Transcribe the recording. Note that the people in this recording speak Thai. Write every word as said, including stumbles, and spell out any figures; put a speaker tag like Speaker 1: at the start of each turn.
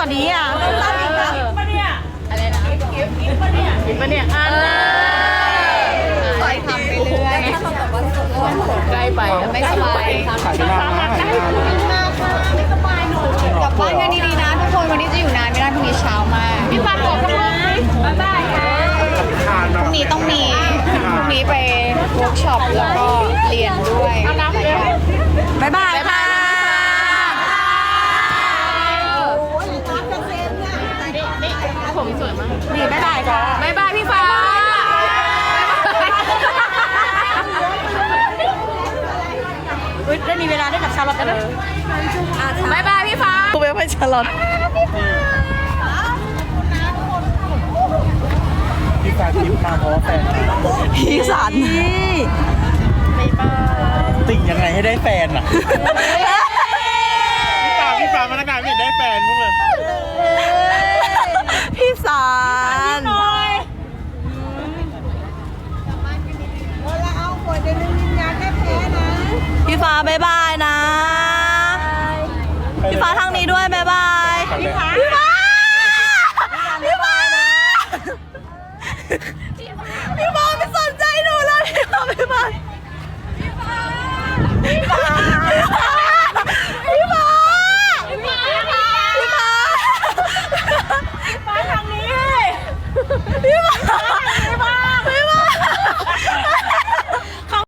Speaker 1: ว่านี้อ่ะสั้นอีกนะปะเนี่ยอะไรนะกิฟกิฟปะเนี่ยกิฟปะเนี่ยอ่ะคอยทำไปเรื่อยใกล้ไปไม่สบาย
Speaker 2: ขายนานนะขายนานนะ
Speaker 1: ไม่สบายหนูกลับบ้านกันดีๆนะทุกคนวันนี้จะอยู่นานไม่ได้พรุ่งนี้เช้ามากพี่ปาขอบคุณบ๊ายบายค่ะพรุ่งนี้ต้องมีพรุ่งนี้ไปเวิร์กช็อปแล้วก็เรียนด้วยบ๊ายบายค่ะผมสวยมากนี่บ๊ายบายค่ะบ๊ายบายพี่ฟ้าอุ๊ยได้มีเวลาได้กับชาลอตกันนะบ๊ายบายพี่ฟ้ากูไปไปชาลอต
Speaker 2: พี่ฟ้าทิพย์มาเพราะว่าแฟน
Speaker 1: พี่สัน
Speaker 2: ติ่งยังไงให้ได้แฟนอ่ะพี่ฟ้าพี่ฟ้ามาตั้งนานไม่เห็นได้แฟนพวกเลย
Speaker 1: พี่สันพี่ฟ้าบ๊ายบายนะพี่ฟ้าทางนี้ด้วยบ๊ายบายพี่ฟ้าพี่ฟ้าพี่ฟ้าพี่ฟ้าไม่สนใจหนูเลยพี่ฟ้าบ๊ายบายพี่ฟ้า